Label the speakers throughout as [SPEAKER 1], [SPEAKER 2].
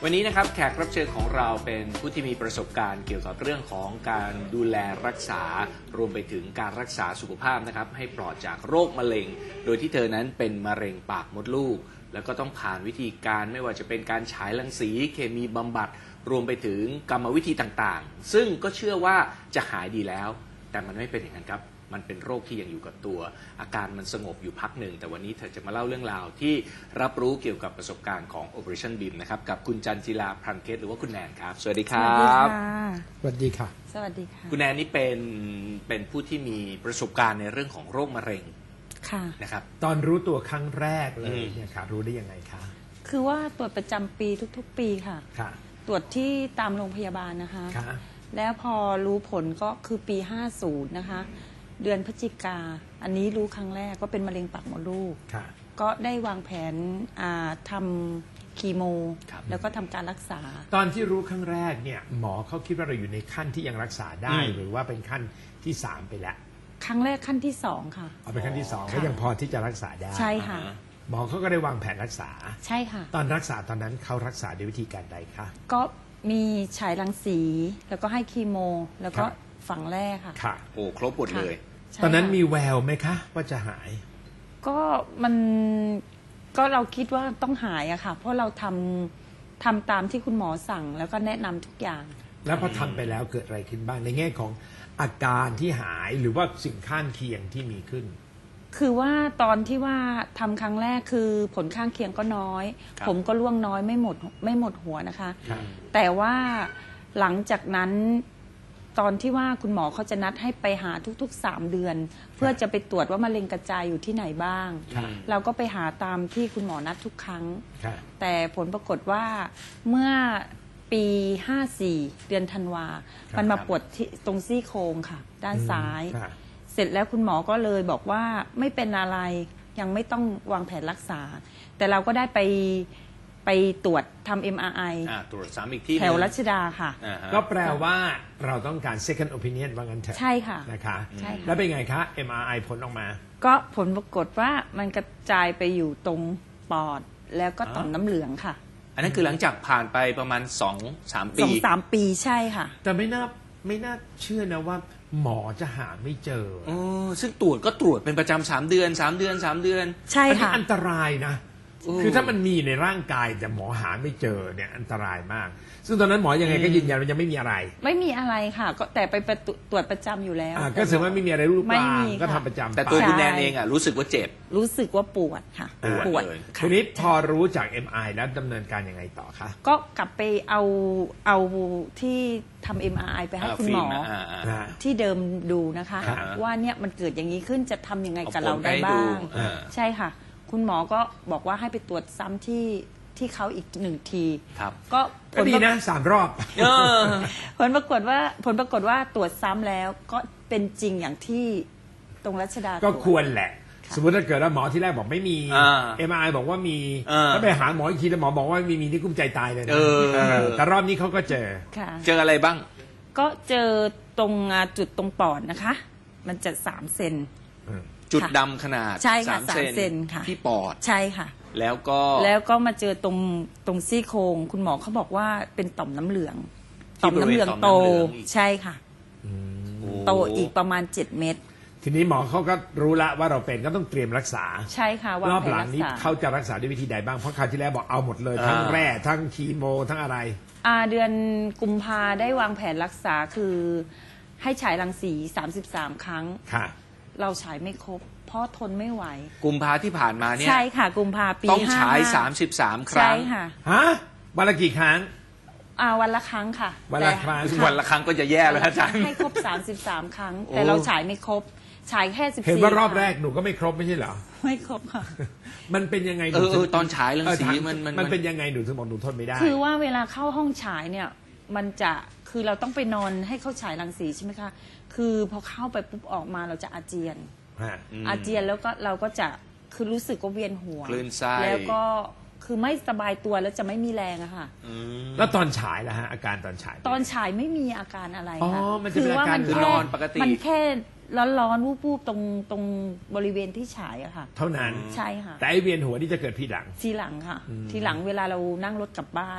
[SPEAKER 1] วันนี้นะครับแขกรับเชิญของเราเป็นผู้ที่มีประสบการณ์เกี่ยวกับเรื่องของการดูแลรักษารวมไปถึงการรักษาสุขภาพนะครับให้ปลอดจากโรคมะเร็งโดยที่เธอนั้นเป็นมะเร็งปากมดลูกแล้วก็ต้องผ่านวิธีการไม่ว่าจะเป็นการฉายรังสีเคมีบำบัดรวมไปถึงกรรมวิธีต่างๆซึ่งก็เชื่อว่าจะหายดีแล้วแต่มันไม่เป็นอย่างนั้นครับมันเป็นโรคที่ยังอยู่กับตัวอาการมันสงบอยู่พักหนึ่งแต่วันนี้เธอจะมาเล่าเรื่องราวที่รับรู้เกี่ยวกับประสบการณ์ของ Operation BIM นะครับกับคุณจันจิลาพรันเพชรหรือว่าคุณแนนครับสวัสดีครับ
[SPEAKER 2] สวัสดีค่ะ
[SPEAKER 3] สวัสดีค่ะ
[SPEAKER 1] คุณแนนนี่เป็นผู้ที่มีประสบการณ์ในเรื่องของโรคมะเร็ง
[SPEAKER 3] ค่ะ
[SPEAKER 1] นะครับ
[SPEAKER 2] ตอนรู้ตัวครั้งแรกเลยเนี่ยค่ะรู้ได้ยังไงคะ
[SPEAKER 3] คือว่าตรวจประจำปีทุกๆปีค่ะตรวจที่ตามโรงพยาบาลนะคะแล้วพอรู้ผลก็คือปี50นะคะเดือนพฤศจิกาอันนี้รู้ครั้งแรกก็เป็นมะเร็งปากมดลูกก็ได้วางแผนทำคีโมแล้วก็ทำการรักษา
[SPEAKER 2] ตอนที่รู้ครั้งแรกเนี่ยหมอเขาคิดว่าเราอยู่ในขั้นที่ยังรักษาได้หรือว่าเป็นขั้นที่3ไปแล้ว
[SPEAKER 3] ครั้งแรกขั้นที่2ค่ะ
[SPEAKER 2] เอาเป็นขั้นที่2ก็ยังพอที่จะรักษาได้
[SPEAKER 3] ใช่ค่ะ
[SPEAKER 2] หมอเขาก็ได้วางแผนรักษา
[SPEAKER 3] ใช่ค่ะ
[SPEAKER 2] ตอนรักษาตอนนั้นเขารักษาด้วยวิธีการใดคะ
[SPEAKER 3] ก็มีฉายรังสีแล้วก็ให้คีโมแล้วก็ฝังแร่ค่ะ
[SPEAKER 1] โอ้ครบหมดเลย
[SPEAKER 2] ตอนนั้นมีแววไหมคะว่าจะหาย
[SPEAKER 3] ก็เราคิดว่าต้องหายอะค่ะเพราะเราทำตามที่คุณหมอสั่งแล้วก็แนะนำทุกอย่าง
[SPEAKER 2] แล้วพอทำไปแล้วเกิดอะไรขึ้นบ้างในแง่ของอาการที่หายหรือว่าสิ่งข้างเคียงที่มีขึ้น
[SPEAKER 3] คือว่าตอนที่ว่าทำครั้งแรกคือผลข้างเคียงก็น้อยผมก็ร่วงน้อยไม่หมดหัวนะคะแต่ว่าหลังจากนั้นตอนที่ว่าคุณหมอเขาจะนัดให้ไปหาทุกๆ3เดือนเพื่อจะไปตรวจว่ามะเร็งกระจายอยู่ที่ไหนบ้างเราก็ไปหาตามที่คุณหมอนัดทุกครั้งแต่ผลปรากฏว่าเมื่อปี54เดือนธันวามันมาปวดตรงซี่โครงค่ะด้านซ้ายเสร็จแล้วคุณหมอก็เลยบอกว่าไม่เป็นอะไรยังไม่ต้องวางแผนรักษาแต่เราก็ได้ไปตรวจทำ MRI
[SPEAKER 1] ตรวจซ้ำอีกที่
[SPEAKER 3] แถวรัชดาค่ะ
[SPEAKER 2] ก็แปลว่าเราต้องการ second opinion ว่างั้นเถอะ
[SPEAKER 3] ใช่ค่ะ
[SPEAKER 2] นะคะแล้วเป็นไงคะ MRI ผลออกมา
[SPEAKER 3] ก็ผลปรากฏว่ามันกระจายไปอยู่ตรงปอดแล้วก็ต่อมน้ำเหลืองค่ะ
[SPEAKER 1] อันนั้นคือหลังจากผ่านไปประมาณ 2-3 ปี
[SPEAKER 3] 2-3 ปีใช่ค่ะ
[SPEAKER 2] แต่ไม่น่าเชื่อนะว่าหมอจะหาไม่เจอ
[SPEAKER 1] ซึ่งตรวจก็ตรวจเป็นประจำ3 เดือน
[SPEAKER 3] ใช่ค่ะ
[SPEAKER 2] อันตรายนะคือถ้ามันมีในร่างกายแต่หมอหาไม่เจอเนี่ยอันตรายมากซึ่งตอนนั้นหมอยังไงก็ยืนยันว่ายังไม่มีอะไร
[SPEAKER 3] ไม่มีอะไรค่ะก็แต่ไปตรวจประจำอยู่แล้ว
[SPEAKER 2] ก็แสดงว่าไม่มีอะไรรูปร่างก็ทำประจำ
[SPEAKER 1] แต่ตัวคุณแนนเองรู้สึกว่าเจ็บ
[SPEAKER 3] รู้สึกว่าปวดค่ะ
[SPEAKER 1] ปวด
[SPEAKER 2] ทีนี้พอรู้จาก MRI แล้วดำเนินการยังไงต่อคะ
[SPEAKER 3] ก็กลับไปเอาที่ทำ MRI ไปให้คุณหมอที่เดิมดูนะคะว่าเนี่ยมันเกิดอย่างนี้ขึ้นจะทำยังไงกับเราได้บ้างใช่ค่ะคุณหมอก็บอกว่าให้ไปตรวจซ้ำที่เขาอีก1 ที
[SPEAKER 2] ก็ดีนะ3 รอบ
[SPEAKER 3] ผลปรากฏว่าตรวจซ้ำแล้วก็เป็นจริงอย่างที่ตรงรัชดา
[SPEAKER 2] ก็ควรแหละสมมติถ้าเกิดว่าหมอที่แรกบอกไม่มี MRI บอกว่ามีแล้วไปหาหมออีกทีแล้วหมอบอกว่าไม่มีนี่กุ้มใจตายเลยนะแต่รอบนี้เขาก็เ
[SPEAKER 1] จออะไรบ้าง
[SPEAKER 3] ก็เจอตรงจุดตรงปอดนะคะมันจะ3 เซน
[SPEAKER 1] จุดดำขนาด
[SPEAKER 3] 3 เซนค่ะ
[SPEAKER 1] ที่ปอด
[SPEAKER 3] ใช่ค่ะ
[SPEAKER 1] แล้ว
[SPEAKER 3] ก็มาเจอตรงซี่โครงคุณหมอเขาบอกว่าเป็นต่อมน้ำเหลืองโตใช่ค่ะโตอีกประมาณ7 เม็ด
[SPEAKER 2] ทีนี้หมอเขาก็รู้ละว่าเราเป็นก็ต้องเตรียมรักษา
[SPEAKER 3] ใช่ค่ะ
[SPEAKER 2] รอบหลังนี้เขาจะรักษาด้วยวิธีใดบ้างเพราะคราวที่แล้วบอกเอาหมดเลยทั้งแร่ทั้งคีโมทั้งอะไร
[SPEAKER 3] เดือนกุมภาได้วางแผนรักษาคือให้ฉายรังสี33 ครั้งเราฉายไม่ครบเพราะทนไม่ไหว
[SPEAKER 1] กุมภาที่ผ่านมาเนี่ย
[SPEAKER 3] ใช่ค่ะกุมภาปี
[SPEAKER 1] ต้องฉาย33 ครั้ง
[SPEAKER 3] ใช่ค่ะ
[SPEAKER 2] วันละกี่ครั้ง
[SPEAKER 3] วันละครั้งค่ะ
[SPEAKER 2] วันละครั้ง
[SPEAKER 1] ก็จะแย่แล้วอาจารย์
[SPEAKER 3] ให้ครบ33 ครั้งแต่เราฉายไม่ครบฉายแค่14
[SPEAKER 2] เห็นว่ารอบแรกหนูก็ไม่ครบไม่ใช่เหรอ
[SPEAKER 3] ไม่ครบค่ะ
[SPEAKER 2] มันเป็นยังไง
[SPEAKER 1] ตอนฉายรังสี
[SPEAKER 2] มันเป็นยังไงหนูถึงบอกหนูทนไม่ได้
[SPEAKER 3] คือว่าเวลาเข้าห้องฉายเนี่ยมันจะคือเราต้องไปนอนให้เขาฉายรังสีใช่ไหมคะคือพอเข้าไปปุ๊บออกมาเราจะอาเจียนแล้วก็เราก็จะคือรู้สึกว่าเวียนหัว
[SPEAKER 1] คลื่นไส้
[SPEAKER 3] แล้วก็คือไม่สบายตัวแล้วจะไม่มีแรงอะค่ะ
[SPEAKER 2] แล้วตอนฉายล่ะฮะอาการตอนฉาย
[SPEAKER 3] ไม่มีอาการอะไรค่ะ
[SPEAKER 2] คือว่ามัน
[SPEAKER 1] นอนปกติ
[SPEAKER 3] มันแค่ร้อนวูบๆตรงบริเวณที่ฉายอะค่ะ
[SPEAKER 2] เท่านั้น
[SPEAKER 3] ใช่ค่ะ
[SPEAKER 2] แต่ไอเวียนหัวนี่จะเกิดทีหลัง
[SPEAKER 3] ค่ะทีหลังเวลาเรานั่งรถกลับบ้าน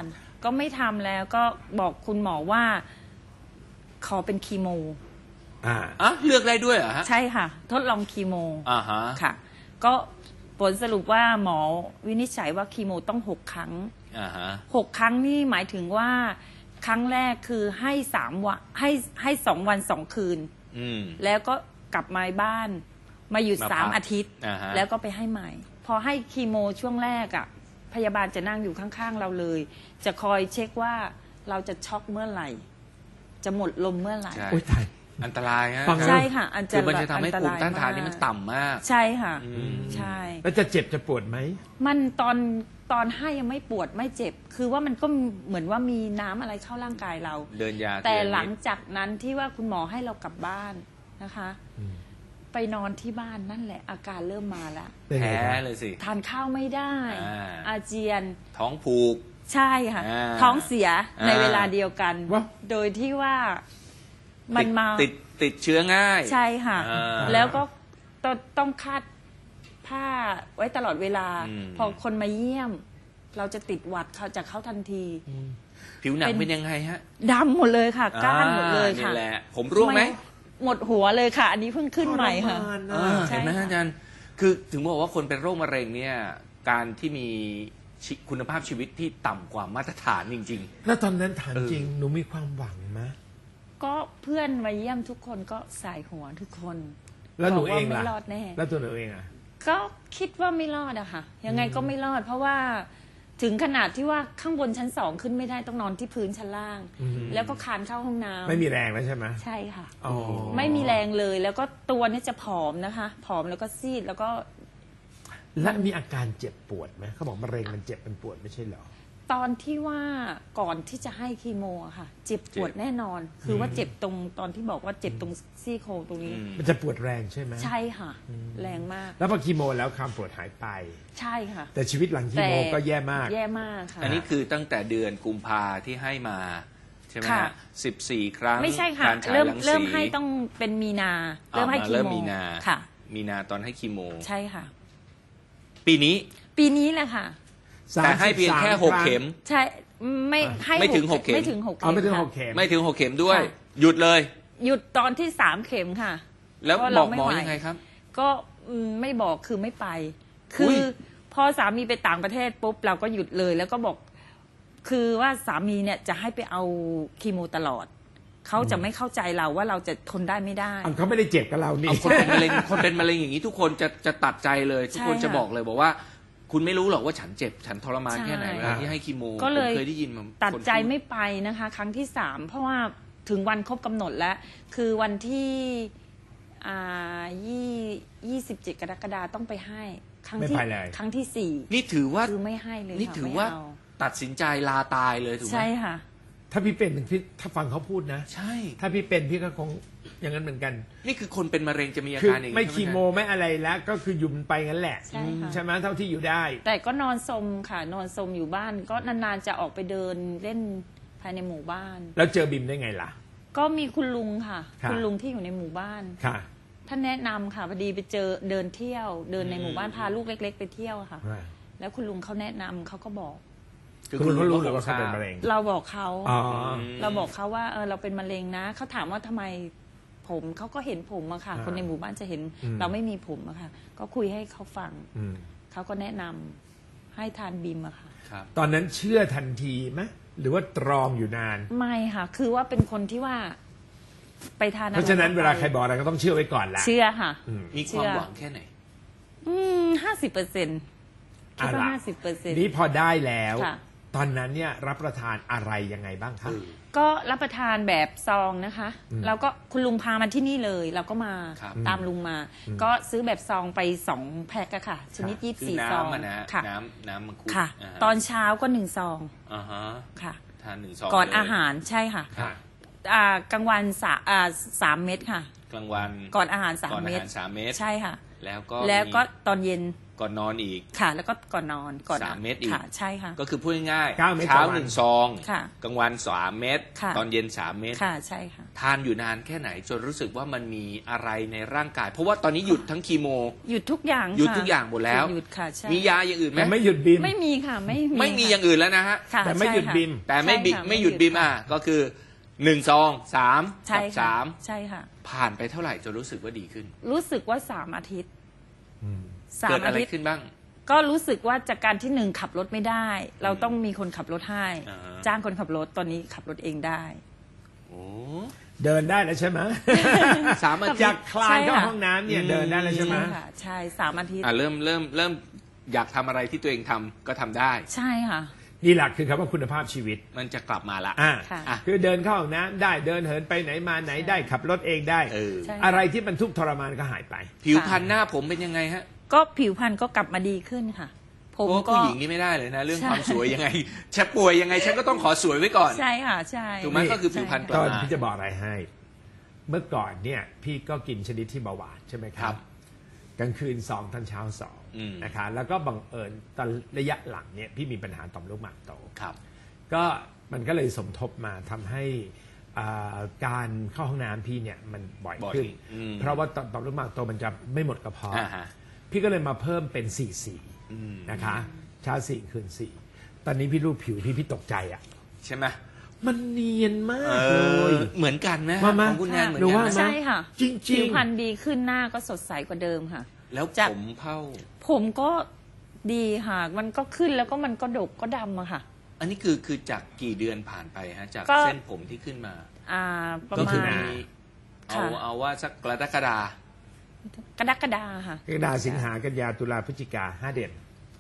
[SPEAKER 3] ก็ไม่ทำแล้วก็บอกคุณหมอว่าขอเป็นคีโม
[SPEAKER 1] เลือกได้ด้วยเหรอฮะ
[SPEAKER 3] ใช่ค่ะทดลองคีโม
[SPEAKER 1] ฮะ
[SPEAKER 3] ค่ะก็ผลสรุปว่าหมอวินิจฉัยว่าคีโมต้อง6 ครั้ง6 ครั้งนี่หมายถึงว่าครั้งแรกคือให้3 วันให้2 วัน 2 คืนแล้วก็กลับมาบ้านมาหยุด3 อาทิตย์แล้วก็ไปให้ใหม่พอให้คีโมช่วงแรกอ่ะพยาบาลจะนั่งอยู่ข้างๆเราเลยจะคอยเช็คว่าเราจะช็อกเมื่อไหร่จะหมดลมเมื่อไหร่
[SPEAKER 2] โอ๊ยตาย
[SPEAKER 1] อันตรายฮะ
[SPEAKER 3] ใช่ค่ะ
[SPEAKER 1] คือมันจะทำให้ภูมิต้านทานนี่มันต่ำมาก
[SPEAKER 3] ใช่ค่ะใช่
[SPEAKER 2] แล้วจะเจ็บจะปวดไหม
[SPEAKER 3] มันตอนให้ยังไม่ปวดไม่เจ็บคือว่ามันก็เหมือนว่ามีน้ำอะไรเข้าร่างกายเรา
[SPEAKER 1] เดินยา
[SPEAKER 3] แต่หลังจากนั้นที่ว่าคุณหมอให้เรากลับบ้านนะคะไปนอนที่บ้านนั่นแหละอาการเริ่มมาแล้ว
[SPEAKER 1] แพ้เลยสิ
[SPEAKER 3] ทานข้าวไม่ได้อาเจียน
[SPEAKER 1] ท้องผูก
[SPEAKER 3] ใช่ค่ะท้องเสียในเวลาเดียวกันโดยที่ว่ามันมา
[SPEAKER 1] ติดเชื้อง่าย
[SPEAKER 3] ใช่ค่ะแล้วก็ต้องคาดผ้าไว้ตลอดเวลาพอคนมาเยี่ยมเราจะติดหวัดเขาจากเขาทันที
[SPEAKER 1] ผิวหนังเป็นยังไงฮะ
[SPEAKER 3] ดำหมดเลยค่ะก้านหมดเลยค่ะ
[SPEAKER 1] นี่แหละผมร่วงไหม
[SPEAKER 3] หมดหัวเลยค่ะอันนี้เพิ่งขึ้นใหม่ค่ะ
[SPEAKER 1] เห็นไหมอาจารย์คือถึงบอกว่าคนเป็นโรคมะเร็งเนี่ยการที่มีคุณภาพชีวิตที่ต่ำกว่ามาตรฐานจริง
[SPEAKER 2] ๆแล้วตอนนั้นถามจริงหนูมีความหวังไหม
[SPEAKER 3] ก็เพื่อนมาเยี่ยมทุกคนก็สายหัวทุกคน
[SPEAKER 2] แล้วหนูเองล่ะ
[SPEAKER 3] ไม่รอดแน่
[SPEAKER 2] แล้วตัวหนูเองอ่ะ
[SPEAKER 3] ก็คิดว่าไม่รอดอะค่ะยังไงก็ไม่รอดเพราะว่าถึงขนาดที่ว่าข้างบนชั้น2ขึ้นไม่ได้ต้องนอนที่พื้นชั้นล่างแล้วก็คานเข้าห้องน้ำ
[SPEAKER 2] ไม่มีแรงแล้วใช่ไหม
[SPEAKER 3] ใช่ค่ะไม่มีแรงเลยแล้วก็ตัวนี้จะผอมนะคะผอมแล้วก็ซีดแล้วก็
[SPEAKER 2] แล้วมีอาการเจ็บปวดไหมเขาบอกมะเร็งมันเจ็บมันปวดไม่ใช่เหรอ
[SPEAKER 3] ตอนที่ว่าก่อนที่จะให้คีโมอะค่ะเจ็บปวดแน่นอนคือว่าเจ็บตรงตอนที่บอกว่าเจ็บตรงซี่โครงตรงนี้
[SPEAKER 2] มันจะปวดแรงใช่ไหม
[SPEAKER 3] ใช่ค่ะแรงมาก
[SPEAKER 2] แล้วพอคีโมแล้วความปวดหายไป
[SPEAKER 3] ใช่ค่ะ
[SPEAKER 2] แต่ชีวิตหลังคีโมก็แย่มาก
[SPEAKER 3] แย่มากค่ะ
[SPEAKER 1] อันนี้คือตั้งแต่เดือนกุมภาที่ให้มาใช่ไหมฮะ14 ครั้ง
[SPEAKER 3] ไม่ใช่ค่ะเริ่มให้ต้องเป็นมีนาเริ่มให้คีโมค่ะ
[SPEAKER 1] มีนาตอนให้คีโม
[SPEAKER 3] ใช่ค่ะ
[SPEAKER 1] ปีนี้
[SPEAKER 3] แหละค่ะ
[SPEAKER 1] แต่ให้เพียงแค่6 เข็ม
[SPEAKER 3] ใช่ไม่
[SPEAKER 1] ถึง6 เข็ม
[SPEAKER 3] ไม่ถึง6 เข็ม
[SPEAKER 2] ไม่ถึง6 เข็ม
[SPEAKER 1] ไม่ถึง6 เข็มด้วยหยุดเลย
[SPEAKER 3] หยุดตอนที่3 เข็มค่ะ
[SPEAKER 1] แล้วบอกหมอยังไงครับ
[SPEAKER 3] ก็ไม่บอกคือไม่ไปคือพอสามีไปต่างประเทศปุ๊บเราก็หยุดเลยแล้วก็บอกคือว่าสามีเนี่ยจะให้ไปเอาคีโมตลอดเขาจะไม่เข้าใจเราว่าเราจะทนได้ไม่ได้
[SPEAKER 2] เขาไม่ได้เจ็บกับเรานี่
[SPEAKER 1] คนเป็นมะเร็งอย่างนี้ทุกคนจะตัดใจเลยทุกคนจะบอกเลยบอกว่าคุณไม่รู้หรอกว่าฉันเจ็บฉันทรมานแค่ไหนเวลาที่ให้คีโม
[SPEAKER 3] ก็เลย
[SPEAKER 1] เคยได้ยินมา
[SPEAKER 3] ตัดใจไม่ไปนะคะครั้งที่3เพราะว่าถึงวันครบกำหนดแล้วคือวันที่27 กรกฎาคมต้องไปให้ครั้งที่4
[SPEAKER 1] นี่ถือว่า
[SPEAKER 3] คือไม่ให้เลย
[SPEAKER 1] นี่ถือว่าตัดสินใจลาตายเลยถูกไหม
[SPEAKER 3] ใช่ค่ะ
[SPEAKER 2] ถ้าพี่เป็นพี่ถ้าฟังเขาพูดนะ
[SPEAKER 1] ใช่
[SPEAKER 2] ถ้าพี่เป็นพี่ก็คงอย่างนั้นเหมือนกัน
[SPEAKER 1] นี่คือคนเป็นมะเร็งจะมีอาการอย่างนี้
[SPEAKER 2] ไม่คีโมไม่อะไรแล้วก็คือยุ่มไปงั้นแหละใช่ไหมเท่าที่อยู่ได้
[SPEAKER 3] แต่ก็นอนสมค่ะนอนสมอยู่บ้านก็นานๆจะออกไปเดินเล่นภายในหมู่บ้าน
[SPEAKER 2] แล้วเจอบิมได้ไงล่ะ
[SPEAKER 3] ก็มีคุณลุงค่ะคุณลุงที่อยู่ในหมู่บ้าน
[SPEAKER 2] ค่ะ
[SPEAKER 3] ท่านแนะนำค่ะพอดีไปเจอเดินเที่ยวเดินในหมู่บ้านพาลูกเล็กๆไปเที่ยวค่ะแล้วคุณลุงเขาแนะนำเขาก็บอก
[SPEAKER 2] คุณรู้หรือว่าเขาเป็นมะเร็ง
[SPEAKER 3] เราบอกเขาว่าเราเป็นมะเร็งนะเขาถามว่าทำไมผมเขาก็เห็นผมอะค่ะคนในหมู่บ้านจะเห็นเราไม่มีผมอะค่ะก็คุยให้เขาฟังเขาก็แนะนำให้ทานบิมอะค่ะ
[SPEAKER 2] ตอนนั้นเชื่อทันทีไหมหรือว่าตรองอยู่นาน
[SPEAKER 3] ไม่ค่ะคือว่าเป็นคนที่ว่าไปทาน
[SPEAKER 2] เพราะฉะนั้นเวลาใครบอกอะไรก็ต้องเชื่อไว้ก่อนแหละ
[SPEAKER 3] เชื่อค่ะ
[SPEAKER 1] มีความหวังแค่ไหน
[SPEAKER 3] 50%คิดว่า50%
[SPEAKER 2] นี้พอได้แล้วตอนนั้นเนี่ยรับประทานอะไรยังไงบ้างคะ
[SPEAKER 3] ก็รับประทานแบบซองนะคะแล้วก็คุณลุงพามาที่นี่เลยเราก็มาตามลุงมาก็ซื้อแบบซองไป2 แพ็คค่ะชนิด24 ซอง
[SPEAKER 1] ค่ะน้ำมังคุด
[SPEAKER 3] ค่ะตอนเช้าก็1 ซองค่ะ
[SPEAKER 1] ทาน1 ซอง
[SPEAKER 3] ก่อนอาหารใช่ค่ะกลางวัน3 เม็ดค่ะ
[SPEAKER 1] กลางวัน
[SPEAKER 3] ก่อนอาหาร3 เม็ด
[SPEAKER 1] ใช่ค่ะ
[SPEAKER 3] แล้วก็ตอนเย็น
[SPEAKER 1] ก่อนนอนอีก
[SPEAKER 3] ค่ะแล้วก็ก่อนนอนก่อน
[SPEAKER 1] 3 เม็ดอีก
[SPEAKER 3] ค่ะใช่ค่ะ
[SPEAKER 1] ก็คือพูดง่าย
[SPEAKER 2] 9 เม็ด
[SPEAKER 1] เช้า
[SPEAKER 2] ต่อวัน
[SPEAKER 1] 1 ซอง
[SPEAKER 3] ค่ะ
[SPEAKER 1] กลางวัน3 เม็ด
[SPEAKER 3] ค่ะ
[SPEAKER 1] ตอนเย็น3 เม็ด
[SPEAKER 3] ค่ะใช่ค่ะ
[SPEAKER 1] ทานอยู่นานแค่ไหนจนรู้สึกว่ามันมีอะไรในร่างกาย เพราะว่าตอนนี้หยุดทั้งคีโม
[SPEAKER 3] หยุดทุกอย่าง
[SPEAKER 1] หยุดทุกอย่างหมดแล้ว
[SPEAKER 3] หยุดค่ะใช่
[SPEAKER 1] มียาอย่างอื่นไหม
[SPEAKER 2] แต่ไม่หยุดบิม
[SPEAKER 3] ไม่มีค่ะไม่
[SPEAKER 1] มี
[SPEAKER 3] ค่ะ
[SPEAKER 1] อย่างอื่นแล้วนะฮะ
[SPEAKER 3] ค่ะ
[SPEAKER 2] แต่ไม่หยุด
[SPEAKER 3] ใช่ค่ะ
[SPEAKER 2] บิม
[SPEAKER 1] แต่ไม่บิ
[SPEAKER 3] ใช่ค่ะ
[SPEAKER 1] ไม่หยุดบิมก็คือ1 ซอง3
[SPEAKER 3] ใช่
[SPEAKER 1] กับ
[SPEAKER 3] ค่ะ
[SPEAKER 1] 3
[SPEAKER 3] ใช่ค่ะ
[SPEAKER 1] ผ่านไปเท่าไหร่จนรู้สึกว่าดีขึ้น
[SPEAKER 3] รู้สึกว่า3 อาทิตย์
[SPEAKER 1] เกิด
[SPEAKER 3] 3
[SPEAKER 1] อะ
[SPEAKER 3] อา
[SPEAKER 1] ไร
[SPEAKER 3] ทิตย์
[SPEAKER 1] ขึ้นบ้าง
[SPEAKER 3] ก็รู้สึกว่าจากการที่1ขับรถไม่ได้ เราต้องมีคนขับรถให้
[SPEAKER 1] อ่าฮะ
[SPEAKER 3] จ้างคนขับรถตอนนี้ขับรถเองได้
[SPEAKER 1] โอ้
[SPEAKER 2] เดินได้แล้วใช่ไหม
[SPEAKER 1] 3 อาทิ
[SPEAKER 2] จา
[SPEAKER 1] ต
[SPEAKER 2] ก
[SPEAKER 1] ย์
[SPEAKER 2] คลานเข้าห้องน้ำเนี่ยเดินได้แล้วใช่ไหม
[SPEAKER 3] ใช่ค่ะใช่3 อาทิตย์
[SPEAKER 1] เริ่มอยากทำอะไรที่ตัวเองทำก็ทำได้
[SPEAKER 3] ใช่ค่ะ
[SPEAKER 2] นี่แหละคือคำว่าคุณภาพชีวิต
[SPEAKER 1] มันจะกลับมาละ
[SPEAKER 3] ค่ะ
[SPEAKER 2] คือเดินเข้าห้องน้ำได้เดินเหินไปไหนมาไหนได้ขับรถเองได้
[SPEAKER 1] เออ
[SPEAKER 3] ใช่
[SPEAKER 2] อะไรที่มันทุกข์ทรมานก็หายไป
[SPEAKER 1] ผิวพรรณหน้าผมเป็นยังไงฮะ
[SPEAKER 3] ก็ผิวพรรณก็กลับมาดีขึ้นค่ะ ผ
[SPEAKER 1] เพ
[SPEAKER 3] ม
[SPEAKER 1] ราะว่า
[SPEAKER 3] ก็
[SPEAKER 1] ผู้หญิงนี่ไม่ได้เลยนะ เรื่อง
[SPEAKER 3] ใช่
[SPEAKER 1] ความสวยยังไงจะป่วยยังไงฉันก็ต้องขอสวยไว้ก่อน
[SPEAKER 3] ใช่ค่ะใช่
[SPEAKER 1] ถูกไหมก็คือผิวพรรณกลั
[SPEAKER 2] ต
[SPEAKER 1] บ
[SPEAKER 2] อน
[SPEAKER 1] มา
[SPEAKER 2] พี่จะบอกอะไรให้ เมื่อก่อนเนี่ยพี่ก็กินชนิดที่เบาหวานใช่ไหมค
[SPEAKER 1] ครั
[SPEAKER 2] รับ
[SPEAKER 1] บ
[SPEAKER 2] กลางคืน2ตอนเช้า
[SPEAKER 1] อืม
[SPEAKER 2] 2นะคะแล้วก็บังเอิญตอนระยะหลังเนี่ยพี่มีปัญหาต่อมลูกหมากโต
[SPEAKER 1] ครับ
[SPEAKER 2] ก็มันก็เลยสมทบมาทำให้การเข้าห้องน้ำพี่เนี่ยมันบ่อย
[SPEAKER 1] บ่อย
[SPEAKER 2] ขึ้น
[SPEAKER 1] อืม
[SPEAKER 2] เพราะว่าต่อมลูกหมากโตมันจะไม่หมดกระเพาะ
[SPEAKER 1] อ่าฮะ
[SPEAKER 2] พี่ก็เลยมาเพิ่มเป็น4
[SPEAKER 1] อืม
[SPEAKER 2] 4นะคะเช้า4คืน4ตอนนี้พี่รูปผิวพี่ตกใจอ่ะ
[SPEAKER 1] ใช่ไหม
[SPEAKER 2] มันเนียนมากเลย
[SPEAKER 1] เหมือนกันนะ
[SPEAKER 2] ว่ามา
[SPEAKER 1] ของคุณแนนเหมือน
[SPEAKER 2] หนู
[SPEAKER 1] กัน
[SPEAKER 2] ว่า
[SPEAKER 1] นะ
[SPEAKER 3] ใช่ค่ะ
[SPEAKER 2] จริงๆ
[SPEAKER 3] ผิวพรรณดีขึ้นหน้าก็สดใสกว่าเดิมค่ะ
[SPEAKER 1] แล้ว
[SPEAKER 3] จาก
[SPEAKER 1] ผมเผ่า
[SPEAKER 3] ผมก็ดีค่ะ มันก็ขึ้นแล้วก็มันก็ดกก็ดำอะค่ะ
[SPEAKER 1] อันนี้คือจากกี่เดือนผ่านไปฮะจาก
[SPEAKER 3] ก็
[SPEAKER 1] เส้นผมที่ขึ้นมา
[SPEAKER 3] ประ
[SPEAKER 1] ก็
[SPEAKER 3] มา
[SPEAKER 1] คือ
[SPEAKER 3] ณ
[SPEAKER 1] มี
[SPEAKER 3] ค่ะ
[SPEAKER 1] เอาว่าสักกรกฎา
[SPEAKER 3] กรกฎาค่ะ
[SPEAKER 2] กรกฎาสิงหากันยาตุลาพฤศจิกา5 เดือน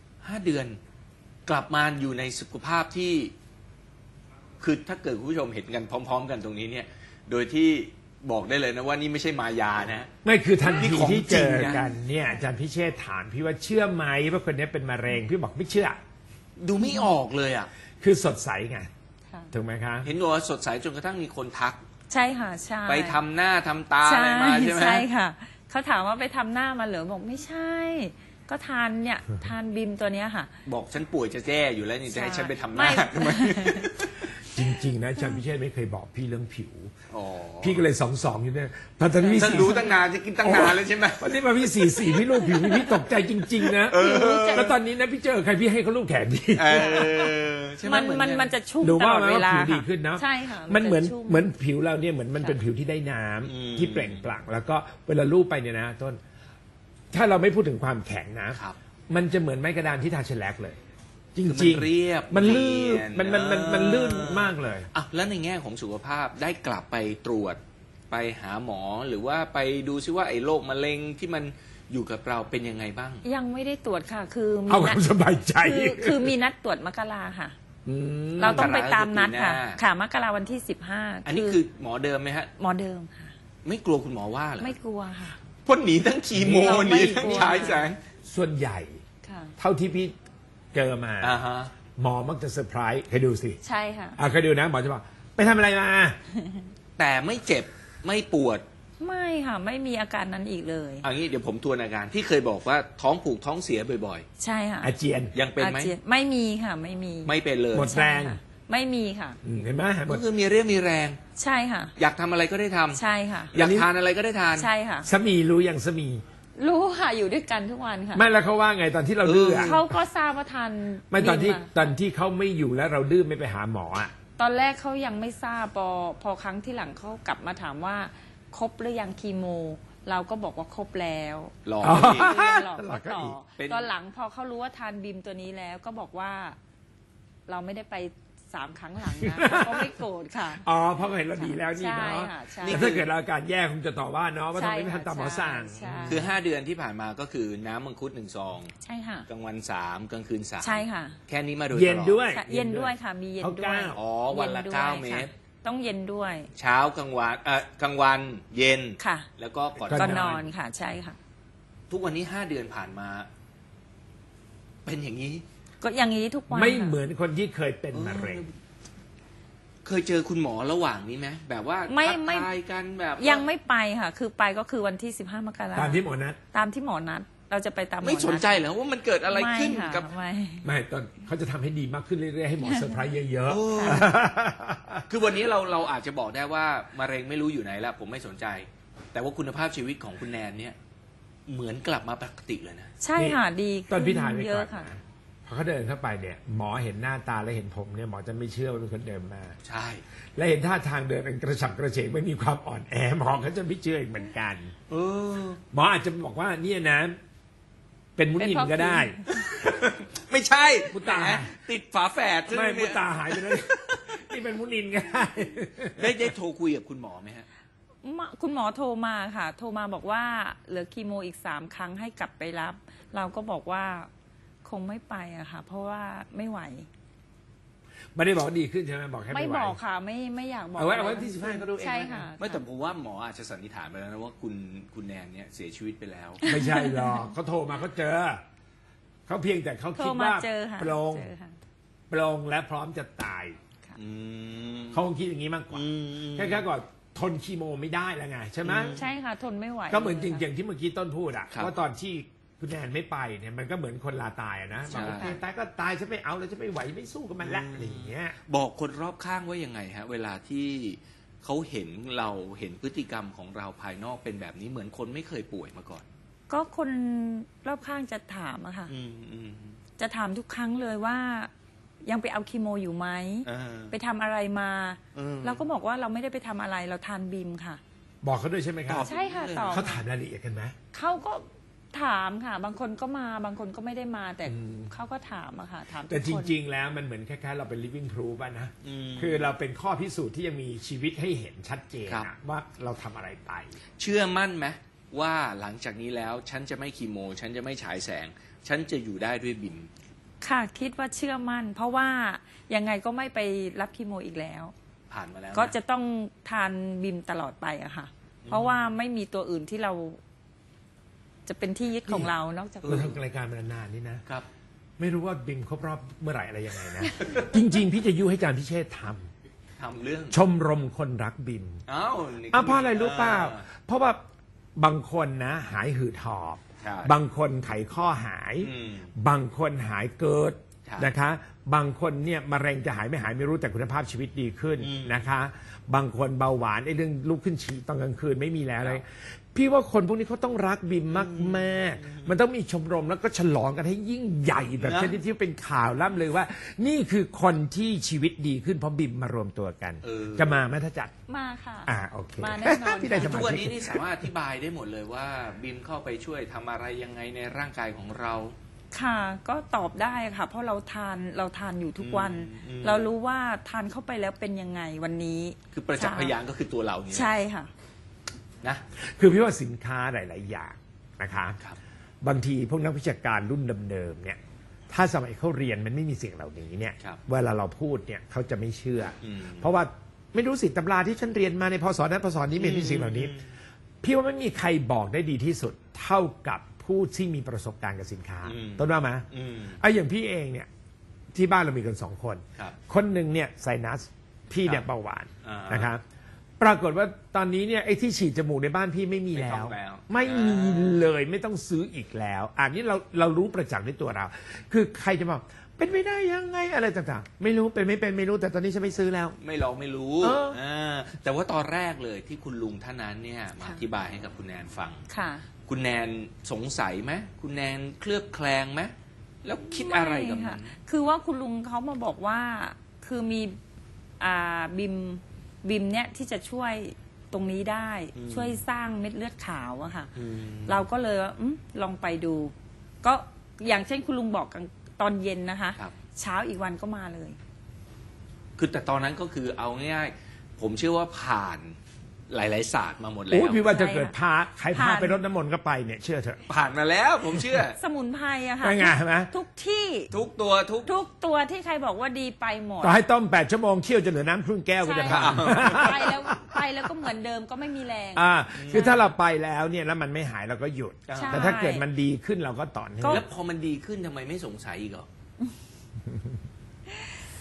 [SPEAKER 1] 5 เดือน กลับมาอยู่ในสุขภาพที่ คือถ้าเกิดคุณผู้ชมเห็นกันพร้อม ๆ กันตรงนี้เนี่ย โดยที่บอกได้เลยนะว่านี่ไม่ใช่มายานะ
[SPEAKER 2] ไม่คือทัน
[SPEAKER 1] นี่
[SPEAKER 2] ที
[SPEAKER 1] ของ
[SPEAKER 2] ที่เจอ
[SPEAKER 1] จริงนะ
[SPEAKER 2] กันเนี่ยอาจารย์พิเชษฐ์ถามพี่ว่าเชื่อไหมว่าคนนี้เป็นมะเร็งพี่บอกไม่เชื่อ
[SPEAKER 1] ดูไม่ออกเลยอ่ะ
[SPEAKER 2] คือสดใสไง
[SPEAKER 3] ค่ะ
[SPEAKER 2] ถูกไหมคะ
[SPEAKER 1] เห็นบอกว่าสดใสจนกระทั่งมีคนทัก
[SPEAKER 3] ใช่ค่ะใช่
[SPEAKER 1] ไปทำหน้าทำตาอะไรมาใช่ไหม
[SPEAKER 3] ใช่ค่ะ เขาถามว่าไปทำหน้ามาเหรอบอกไม่ใช่ ก็ทานเนี่ยทานบิมตัวเนี้ยค่ะ
[SPEAKER 1] บอกฉันป่วยจะแย่อยู่แล้วนี่จะให้ฉันไปทำหน้า
[SPEAKER 3] ไม่
[SPEAKER 1] ทำไม
[SPEAKER 2] จริง ๆ นะอาจารย์พิเชษฐ์ไม่เคยบอกพี่เรื่องผิว
[SPEAKER 1] อ๋อ
[SPEAKER 2] พี่ก็เลย2 อยู่เนี่ยตอนพี่
[SPEAKER 1] ฉันรู้ตั้งนานจะกินตั้งนานแล้วใช่ไหม
[SPEAKER 2] วันนี้มาพี่4 พี่รูปผิวพี่ตกใจจริง ๆ นะแล้วตอนนี้นะพี่เจอใครพี่ให้เขารูปแขนพี่
[SPEAKER 1] ใช่ไห
[SPEAKER 3] มันจะชุ่ม
[SPEAKER 2] หนู
[SPEAKER 3] ต
[SPEAKER 2] ว่า
[SPEAKER 3] ลอด
[SPEAKER 2] มัน
[SPEAKER 3] เว
[SPEAKER 2] ว่า
[SPEAKER 3] ลา
[SPEAKER 2] ผิวดี
[SPEAKER 3] ค่ะ
[SPEAKER 2] ขึ้นเนาะ
[SPEAKER 3] ใช่ค่ะ
[SPEAKER 2] มันเหมือน
[SPEAKER 3] จะชุ่
[SPEAKER 2] เหมือนผิวเราเนี่ยเหมือนมันเป็นผิวที่ได้น้ำที่เปล่งปลั่งแล้วก็เวลาลูบไปเนี่ยนะต้น ถ้าเราไม่พูดถึงความแข็งนะ
[SPEAKER 1] ครับ
[SPEAKER 2] มันจะเหมือนไม้กระดานที่ทาเชลแลกเลย จ
[SPEAKER 1] คือมัน
[SPEAKER 2] ริงๆ
[SPEAKER 1] เรียบ
[SPEAKER 2] มันลื่น
[SPEAKER 1] เนียน
[SPEAKER 2] มันลื่นมากเลย
[SPEAKER 1] อ่ะแล้วในแง่ของสุขภาพได้กลับไปตรวจไปหาหมอหรือว่าไปดูซิว่าไอ้โรคมะเร็งที่มันอยู่กับเราเป็นยังไงบ้าง
[SPEAKER 3] ยังไม่ได้ตรวจค่ะ คือมี
[SPEAKER 2] เอาค
[SPEAKER 3] นั
[SPEAKER 2] วา
[SPEAKER 3] ด
[SPEAKER 2] มสบายใจ
[SPEAKER 3] คือมีนัดตรวจมกราค่ะ
[SPEAKER 2] ม
[SPEAKER 3] เราต้องไปตามนัดค่ะ
[SPEAKER 1] มกราคมปีหน้า
[SPEAKER 3] ค่ะมกราวันที่15
[SPEAKER 1] อันนี้คือหมอเดิมไหมฮะ
[SPEAKER 3] หมอเดิมค่ะ
[SPEAKER 1] ไม่กลัวคุณหมอว่าเหรอ
[SPEAKER 3] ไม่กลัวค่ะ
[SPEAKER 1] พ่นหนีทั้งคีโม
[SPEAKER 3] เรา
[SPEAKER 1] ห
[SPEAKER 3] ไม่
[SPEAKER 1] นีทั้ง
[SPEAKER 3] กลัว
[SPEAKER 1] ฉายแสง
[SPEAKER 2] ส่วนใหญ่
[SPEAKER 3] ค่ะ
[SPEAKER 2] เท่าที่พี่เจอมา
[SPEAKER 1] อ่าฮะ
[SPEAKER 2] หมอมักจะเซอร์ไพรส์เคยดูสิ
[SPEAKER 3] ใช่ค่ะ
[SPEAKER 2] เคยดูนะหมอจะบอกไปทำอะไรมา
[SPEAKER 1] แต่ไม่เจ็บไม่ปวด
[SPEAKER 3] ไม่ค่ะ ไม่มีอาการนั้นอีกเลย
[SPEAKER 1] เอันนี้เดี๋ยวผมทวนอาการที่เคยบอกว่าท้องผูกท้องเสียบ่อย
[SPEAKER 3] ใช่ค่ะ
[SPEAKER 2] อาเจียน
[SPEAKER 1] ๆ ยังเป็นไหม
[SPEAKER 3] อาจียไม่มีค่ะ ไม่มี
[SPEAKER 1] ไม่เป็นเลย
[SPEAKER 2] หมดแรง
[SPEAKER 3] ใช่ค่ะไม่มีค่ะ
[SPEAKER 2] เห็นไหมหม
[SPEAKER 1] ก็
[SPEAKER 2] ด
[SPEAKER 1] คือมีเรี่ยวมีแรง
[SPEAKER 3] ใช่ค่ะ
[SPEAKER 1] อยากทำอะไรก็ได้ทำ
[SPEAKER 3] ใช่ค่ะ
[SPEAKER 1] อยากทานอะไรก็ได้ทาน
[SPEAKER 3] ใช่ค่ะ
[SPEAKER 2] สามีรู้ยังสามี
[SPEAKER 3] รู้ค่ะอยู่ด้วยกันทุกวันค่ะ
[SPEAKER 2] ไม่แล้วเขาว่าไงตอนที่เราดื้ออะ
[SPEAKER 3] เขาก็ทราบว่าทาน
[SPEAKER 2] ไม่ตอนที่
[SPEAKER 3] บิมา
[SPEAKER 2] ตอนที่เขาไม่อยู่แล้วเราดื้อไม่ไปหาหมออ่ะ
[SPEAKER 3] ตอนแรกเขายังไม่ทราบพอครั้งที่หลังเขากลับมาถามว่าครบหรือยังคีโม เราก็บอกว่าครบแล้ว
[SPEAKER 1] หลอก
[SPEAKER 2] อ๋อ
[SPEAKER 1] อีก
[SPEAKER 3] หลอกเขาต่อ
[SPEAKER 1] เป็น
[SPEAKER 3] ตอนหลังพอเขารู้ว่าทานบิมตัวนี้แล้วก็บอกว่า เราไม่ได้ไป3 ครั้งหลังนะเขาก็ไม่โกรธค่ะ
[SPEAKER 2] อ๋อเพราะเขาเห็นเราดีแล้วนี่เนาะ
[SPEAKER 3] ใช่ค่ะใช่
[SPEAKER 2] แต่ถ้าเกิดเราอาการแย่คงจะต่อว่าเนาะว่าทำไมไม่ทำตามหมอสั่ง
[SPEAKER 3] ใช่
[SPEAKER 1] คือ 5 เดือนที่ผ่านมาก็คือน้ำมังคุด1 ซอง
[SPEAKER 3] ใช่ค่ะ
[SPEAKER 1] กลางวัน 3 กลางคืน 3
[SPEAKER 3] ใช่ค่ะ
[SPEAKER 1] แค่นี้มาโดยตลอด
[SPEAKER 2] เย็นด้วย
[SPEAKER 3] ค่ะเย็นด้วยค่ะ มีเย็น
[SPEAKER 2] เอา
[SPEAKER 3] ด้วย
[SPEAKER 2] เก้า
[SPEAKER 1] อ๋อวันละ
[SPEAKER 3] ย็ด้วย
[SPEAKER 1] 9 เมตร
[SPEAKER 3] ค่ะต้องเย็นด้วย
[SPEAKER 1] เช้ากลางวันกลางวันเย็น
[SPEAKER 3] ค่ะ
[SPEAKER 1] แล้วก็ก่อน
[SPEAKER 3] ก็
[SPEAKER 2] น
[SPEAKER 3] น
[SPEAKER 2] อน
[SPEAKER 3] อนค่ะ ใช่ค่ะ
[SPEAKER 1] ทุกวันนี้ 5 เดือนผ่านมา เป็นอย่างนี้
[SPEAKER 3] ก็อย่างนี้ทุกวัน
[SPEAKER 2] ไม่
[SPEAKER 3] ค่ะ
[SPEAKER 2] เหมือนคนที่เคยเป็นมะเร็ง
[SPEAKER 1] เคยเจอคุณหมอระหว่างนี้ไหมแบบว่า
[SPEAKER 3] ไม่
[SPEAKER 1] ทักทายกันแบบ
[SPEAKER 3] ยังไม่ไปค่ะ คือไปก็คือวันที่15 มกรา
[SPEAKER 2] ตามที่หมอนัด
[SPEAKER 3] ตามที่หมอนัดเราจะไปตามหมอ
[SPEAKER 1] ไม่สนใจเหรอว่ามันเกิดอะไรขึ้น
[SPEAKER 3] ไม่ค่ะ
[SPEAKER 1] กับ
[SPEAKER 2] ไม่ตอนเขาจะทำให้ดีมากขึ้นเรื่อยๆให้หมอเซอร์ไพรส์เยอะ
[SPEAKER 1] คือวันนี้เราอาจจะบอกได้ว่ามะเร็งไม่รู้อยู่ไหนแล้วผมไม่สนใจ แต่ว่าคุณภาพชีวิตของคุณแนนเนี่ยเหมือนกลับมาปกติเลยนะ
[SPEAKER 3] ใช่ค่ะดี
[SPEAKER 2] ๆตอนพี่ถ่ายไป
[SPEAKER 3] เย
[SPEAKER 2] ก่อ
[SPEAKER 3] อะ
[SPEAKER 2] น
[SPEAKER 3] ค่ะ
[SPEAKER 2] นะพอเขาเดินเข้าไปเนี่ยหมอเห็นหน้าตาและเห็นผมเนี่ยหมอจะไม่เชื่อว่าเป็นคนเดิมมา
[SPEAKER 1] ใช่
[SPEAKER 2] และเห็นท่าทางเดินเป็นกระฉับกระเฉงไม่มีความอ่อนแอหมอเขาจะไม่เชื่ออีกเหมือนกัน หมออาจจะบอกว่าเนี่ยนะ เป็นมุนินก็ได้
[SPEAKER 1] ไม่ใช่
[SPEAKER 2] มุตา
[SPEAKER 1] แหติดฝาแฝดใช่ไหม
[SPEAKER 2] ไม่มุ
[SPEAKER 1] เนี่ย
[SPEAKER 2] ตาหายไปแล้วนี่เป็นมุนินก็ได้
[SPEAKER 1] ได้โทรคุยกับคุณหมอไหมฮะ
[SPEAKER 3] คุณหมอโทรมาค่ะ โทรมาบอกว่าเหลือคีโมอีก3 ครั้งให้กลับไปรับ เราก็บอกว่าคงไม่ไปอะค่ะ เพราะว่าไม่ไหว
[SPEAKER 2] ไม่ได้บอกว่าดีขึ้นใช่ไหมบอกแค่
[SPEAKER 3] ไม่
[SPEAKER 2] ไม่ไหว
[SPEAKER 3] บอกค่ะ ไม่อยากบอก
[SPEAKER 2] เอาไว้ที่15ก็ดูเอง
[SPEAKER 3] ใช่ค่ะ
[SPEAKER 1] ไม่แต่ผมว่าหมออาจจะสันนิษฐานไปแล้วนะว่าคุณแนนเนี่ยเสียชีวิตไปแล้ว
[SPEAKER 2] ไม่ใช่หรอกเขาโทรมาเขาเจอเขาเพียงแต่เขา
[SPEAKER 3] โทร
[SPEAKER 2] คิด
[SPEAKER 3] มา
[SPEAKER 2] ว่า
[SPEAKER 3] เจอค่ะ
[SPEAKER 2] ปรง
[SPEAKER 3] เจอค่ะ
[SPEAKER 2] ปรงและพร้อมจะตาย
[SPEAKER 1] อืม
[SPEAKER 2] เขาคงคิดอย่างนี้มากกว่า
[SPEAKER 1] อืม
[SPEAKER 2] แค่ก่อนทนคีโมไม่ได้แล้วไงใช่ไหม
[SPEAKER 3] ใช่ค่ะ ทนไม่ไหว
[SPEAKER 2] ก็เหมือนจ
[SPEAKER 3] ลย
[SPEAKER 2] ริ
[SPEAKER 3] ค่ะ
[SPEAKER 2] งๆที่เมื่อกี้ต้นพูดอะ
[SPEAKER 1] ครับ
[SPEAKER 2] ว่าตอนที่คุณแนนไม่ไปเนี่ยมันก็เหมือนคนลาตายอะนะ
[SPEAKER 1] ใช่
[SPEAKER 2] บอกโอเคตายก็ตายฉันไม่เอาแล้วฉันไม่ไหวไม่สู้กับมันละอะไรอย่างเงี้ย
[SPEAKER 1] บอกคนรอบข้างว่ายังไงฮะ เวลาที่เขาเห็นเราเห็นพฤติกรรมของเราภายนอกเป็นแบบนี้เหมือนคนไม่เคยป่วยมาก่อน
[SPEAKER 3] ก็คนรอบข้างจะถามอะค่ะ จะถามทุกครั้งเลยว่ายังไปเอาคีโมอยู่ไหม ไปทำอะไรมา เราก็บอกว่าเราไม่ได้ไปทำอะไรเราทานบีมค่ะ
[SPEAKER 2] บอกเขาด้วยใช่ไหมครับ
[SPEAKER 1] ตอบ
[SPEAKER 3] ใช่ค่ะตอบ
[SPEAKER 2] เขาถามรายละเอียดกันไหม
[SPEAKER 3] เขาก็ถามค่ะ บางคนก็มาบางคนก็ไม่ได้มา แต่
[SPEAKER 2] อืม
[SPEAKER 3] เขาก็ถามอะค่ะถามทุก
[SPEAKER 2] แต่จ
[SPEAKER 3] คน
[SPEAKER 2] ริง ๆ แล้วมันเหมือนคล้ายๆเราเป็น living proof อะนะคือเราเป็นข้อพิสูจน์ที่ยังมีชีวิตให้เห็นชัดเจน
[SPEAKER 1] ครั
[SPEAKER 2] อะ
[SPEAKER 1] บ
[SPEAKER 2] ว่าเราทำอะไรไป
[SPEAKER 1] เชื่อมั่นไหมว่าหลังจากนี้แล้วฉันจะไม่คีโม ฉันจะไม่ฉายแสง ฉันจะอยู่ได้ด้วยบิม
[SPEAKER 3] ค่ะคิดว่าเชื่อมั่น เพราะว่ายังไงก็ไม่ไปรับคีโมอีกแล้ว
[SPEAKER 1] ผ่านมาแล้วน
[SPEAKER 3] ก็จะต้องทานบิมตลอดไปอะค่ะ เพราะว่าไม่มีตัวอื่นที่เรา จะเป็นที่ยึดของเรานอกจาก
[SPEAKER 2] เราทำรายการมานานๆนี่นะ
[SPEAKER 1] ครับ
[SPEAKER 2] ไม่รู้ว่าบิมครบรอบเมื่อไหร่อะไรยังไงนะ จริง ๆ พี่จะยุให้อาจารย์พิเชษฐ์ท
[SPEAKER 1] ทำเรื่อง
[SPEAKER 2] ำชมรมคนรักบิม
[SPEAKER 1] อ้าวนี่
[SPEAKER 2] เพราะอะไรรู้เปล่า เพราะว่าบางคนนะหายหืดหอบ
[SPEAKER 1] ใช่
[SPEAKER 2] บางคนไขข้อหาย
[SPEAKER 1] อืม
[SPEAKER 2] บางคนหายเกิด
[SPEAKER 1] ใช่
[SPEAKER 2] นะคะ บางคนเนี่ยมะเร็งจะหายไม่หายไม่รู้แต่คุณภาพชีวิตดีขึ้นนะคะ บางคนเบาหวานไอ้เรื่องลุกขึ้นฉี่ตอนกลางคืนไม่มีแล้วเลยพี่ว่าคนพวกนี้เขาต้องรักบิมมากๆมันต้องมีชมรมแล้วก็ฉลองกันให้ยิ่งใหญ่แบบชนิดที่เป็นข่าวล่ำลือว่า นี่คือคนที่ชีวิตดีขึ้นเพราะบิมมารวมตัวกัน จะมาไหมถ้าจัด
[SPEAKER 3] มาค่ะ
[SPEAKER 2] โอเค
[SPEAKER 3] มาแน่นอน
[SPEAKER 2] พี่ได้ส
[SPEAKER 1] ทุ
[SPEAKER 2] มาก
[SPEAKER 1] วัน
[SPEAKER 2] ชิ
[SPEAKER 1] นี้
[SPEAKER 2] ก
[SPEAKER 1] นี่สามารถอธิบายได้หมดเลยว่าบิมเข้าไปช่วยทำอะไรยังไงในร่างกายของเรา
[SPEAKER 3] ค่ะก็ตอบได้ค่ะ เพราะเราทานอยู่ทุกวัน เรารู้ว่าทานเข้าไปแล้วเป็นยังไงวันนี้
[SPEAKER 1] คือประจักษ์พยานก็คือตัวเราเนี่ย
[SPEAKER 3] ใช่ค่ะ
[SPEAKER 1] นะ
[SPEAKER 2] คือพี่ว่าสินค้าหลาย ๆ อย่างนะคะ
[SPEAKER 1] ครับ
[SPEAKER 2] บางทีพวกนักวิชาการรุ่นเดิมๆเนี่ยถ้าสมัยเขาเรียนมันไม่มีสิ่งเหล่านี้เนี่ย
[SPEAKER 1] ครับ
[SPEAKER 2] เวลาเราพูดเนี่ยเขาจะไม่เชื่ออ
[SPEAKER 1] ม
[SPEAKER 2] เพราะว่าไม่รู้สิตำราที่ฉันเรียนมาในพศนั้นพศนี้ไม่มีสิ่งเหล่านี้ พี่ว่าไม่มีใครบอกได้ดีที่สุดเท่ากับผู้ที่มีประสบการณ์กับสินค้า ต้นว่าไหม
[SPEAKER 1] อืม
[SPEAKER 2] อย่างพี่เองเนี่ยที่บ้านเรามีกัน2 คน
[SPEAKER 1] ครับ
[SPEAKER 2] คนหนึ่งเนี่ยไซนัสพี่เนี่ย
[SPEAKER 1] ครับ
[SPEAKER 2] เบาหวาน
[SPEAKER 1] อ่าน
[SPEAKER 2] นะครับปรากฏว่าตอนนี้เนี่ยไอ้ที่ฉีดจมูกในบ้านพี่ไม่มี
[SPEAKER 1] ไม่
[SPEAKER 2] แล้
[SPEAKER 1] ต้อ
[SPEAKER 2] ว
[SPEAKER 1] งแล้ว
[SPEAKER 2] ไม่มีเลยไม่ต้องซื้ออีกแล้วอันนี้เรารู้ประจักษ์ด้วยตัวเรา คือใครจะบอกเป็นไม่ได้ยังไงอะไรต่างๆ ไม่รู้เป็นไม่เป็นไม่รู้แต่ตอนนี้ฉันไม่ซื้อแล้ว
[SPEAKER 1] ไม่ลองไม่รู้
[SPEAKER 2] เออ
[SPEAKER 1] แต่ว่าตอนแรกเลยที่คุณลุงท่านนั้นเนี่ยมาอธิบายให้กับคุณแนนฟัง
[SPEAKER 3] ค่ะ
[SPEAKER 1] คุณแนนสงสัยไหมคุณแนนเคลือบแคลงไหมแล้วคิดอะไรกับ
[SPEAKER 3] ม่
[SPEAKER 1] มั
[SPEAKER 3] ค่ะ
[SPEAKER 1] น
[SPEAKER 3] คือว่าคุณลุงเขามาบอกว่าคือมีบิมเนี่ยที่จะช่วยตรงนี้ได้ ช่วยสร้างเม็ดเลือดขาวอะค่ะ เราก็เลยว่าลองไปดู ก็อย่างเช่นคุณลุงบอกกันตอนเย็นนะคะ
[SPEAKER 1] ครับ
[SPEAKER 3] เช้าอีกวันก็มาเลย
[SPEAKER 1] คือแต่ตอนนั้นก็คือเอาง่ายๆผมเชื่อว่าผ่านหลายๆศาสตร์มาหมดแล้
[SPEAKER 2] โอ้
[SPEAKER 1] ว
[SPEAKER 2] พี่ว่าจะ
[SPEAKER 3] ใช่
[SPEAKER 2] เกิดพาใครพา
[SPEAKER 3] ผ่าน
[SPEAKER 2] ไปรดน้ำมนต์ก็ไปเนี่ยเชื่อเถอะ
[SPEAKER 1] ผ่านมาแล้วผมเชื่อ
[SPEAKER 3] สมุนไพรอะค่ะ
[SPEAKER 2] เป็นไงเห็นไหม
[SPEAKER 3] ทุกที่
[SPEAKER 1] ทุกตัวทุก
[SPEAKER 3] ทุกตัวที่ใครบอกว่าดีไปหมด
[SPEAKER 2] ต่อให้ต้ม8 ชั่วโมงเคี่ยวจนเหลือน้ำครึ่งแก้วก็
[SPEAKER 3] ใช่
[SPEAKER 2] จะผ่าน
[SPEAKER 3] ไปแล้วก็เหมือนเดิมก็ไม่มีแรง
[SPEAKER 2] คือถ้าเราไปแล้วเนี่ยแล้วมันไม่หายเราก็หยุด
[SPEAKER 3] ใช่
[SPEAKER 2] แต่ถ้าเกิดมันดีขึ้นเราก็ต่อเนื่อง
[SPEAKER 1] แล้วพอมันดีขึ้นทำไมไม่สงสัยอีกเหรอ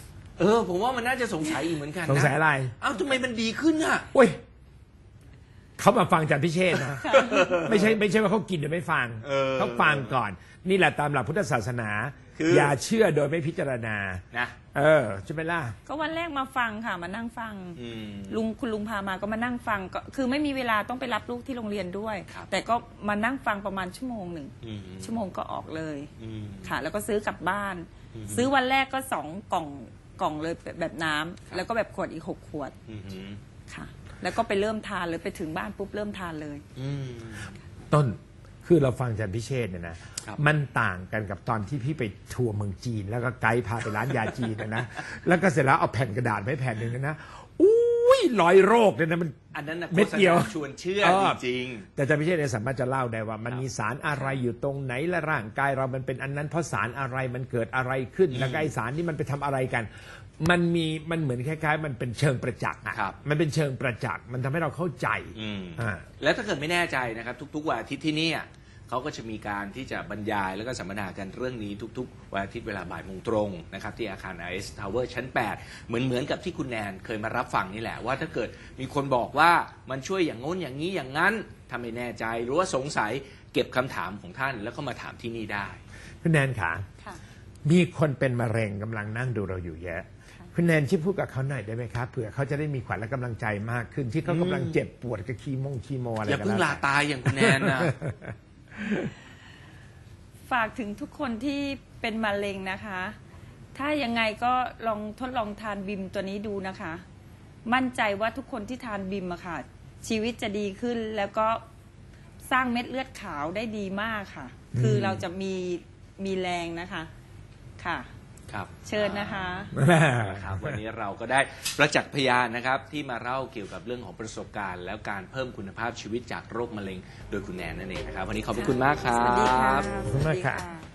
[SPEAKER 1] ผมว่ามันน่าจะสงสัยอีกเหมือนกันนะ
[SPEAKER 2] สงสัยอะไร
[SPEAKER 1] อ้าวทำไมมันดีขึ้นอ่ะ
[SPEAKER 2] โอ้ยเขามาฟังอาจารย์พิเชษฐ์นะไม่ใช่ว่าเขากินโดยไม่ฟังเขาฟังก่อนนี่แหละตามหลักพุทธศาสนาอย่าเชื่อโดยไม่พิจารณา
[SPEAKER 1] นะ
[SPEAKER 2] ใช่ไหมล่ะ
[SPEAKER 3] ก็วันแรกมาฟังค่ะมานั่งฟังคุณลุงพามาก็มานั่งฟังก็คือไม่มีเวลาต้องไปรับลูกที่โรงเรียนด้วยแต่ก็มานั่งฟังประมาณชั่วโมงหนึ่งชั่วโมงก็ออกเลยค่ะแล้วก็ซื้อกลับบ้านซื้อวันแรกก็2 กล่องเลยแบบน้ำแล้วก็แบบขวดอีก6 ขวดค่ะแล้วก็ไปเริ่มทานเลยไปถึงบ้านปุ๊บเริ่มทานเลย
[SPEAKER 2] ต้นคือเราฟังอาจารย์พิเชษฐ์เนี่ยนะมันต่างกันกับตอนที่พี่ไปทัวร์เมืองจีนแล้วก็ไกด์พาไปร้านยาจีนนะแล้วก็เสร็จแล้วเอาแผ่นกระดาษไว้แผ่นหนึ่งนะอุ้ย100 โรคเนี่ยนะมัน
[SPEAKER 1] อันนั้นนะ
[SPEAKER 2] เม็ดเดียว
[SPEAKER 1] ชวนเชื่อจริง
[SPEAKER 2] แต่อาจารย์พิเชษฐ์เนี่ยสามารถจะเล่าได้ว่ามันมีสารอะไรอยู่ตรงไหนและร่างกายเรามันเป็นอันนั้นเพราะสารอะไรมันเกิดอะไรขึ้นแล้วไอสารนี่มันไปทำอะไรกันมันเหมือนคล้ายๆมันเป็นเชิงประจักษ์มันเป็นเชิงประจักษ์มันทำให้เราเข้าใจ
[SPEAKER 1] แล้วถ้าเกิดไม่แน่ใจนะครับทุกๆวันอาทิตย์ที่นี่เขาก็จะมีการที่จะบรรยายแล้วก็สัมมนากันเรื่องนี้ทุกๆวันอาทิตย์เวลาบ่ายโมงตรงนะครับที่อาคาร IS Tower ชั้น 8เหมือนกับที่คุณแนนเคยมารับฟังนี่แหละว่าถ้าเกิดมีคนบอกว่ามันช่วยอย่างโน้นอย่างนี้อย่างนั้นถ้าไม่แน่ใจหรือว่าสงสัยเก็บคำถามของท่านแล้วก็มาถามที่นี่ได้
[SPEAKER 2] คุณแนนค่ะมีคนเป็นมะเร็งกำลังนั่งดูเราอยู่เยอะคุณแนนช่วยพูดกับเขาหน่อยได้ไหมครับเผื่อเขาจะได้มีขวัญและกำลังใจมากขึ้นที่เขากำลังเจ็บปวดกับคีโมอะไร
[SPEAKER 1] อย่าเพิ่งลาตายอย่างคุณแนนนะ
[SPEAKER 3] ฝากถึงทุกคนที่เป็นมะเร็งนะคะถ้ายังไงก็ลองทดลองทานบิมตัวนี้ดูนะคะมั่นใจว่าทุกคนที่ทานบิมอะค่ะชีวิตจะดีขึ้นแล้วก็สร้างเม็ดเลือดขาวได้ดีมากค่ะคือเราจะมีแรงนะคะค่ะเชิญนะคะ
[SPEAKER 1] วันนี้เราก็ได้ประจักษ์พยานนะครับที่มาเล่าเกี่ยวกับเรื่องของประสบการณ์แล้วการเพิ่มคุณภาพชีวิตจากโรคมะเร็งโดยคุณแนนนั่นเองนะครับวันนี้ขอบคุณมากครับ
[SPEAKER 3] สวัสดีค่ะ
[SPEAKER 2] ขอบคุณมากค่ะ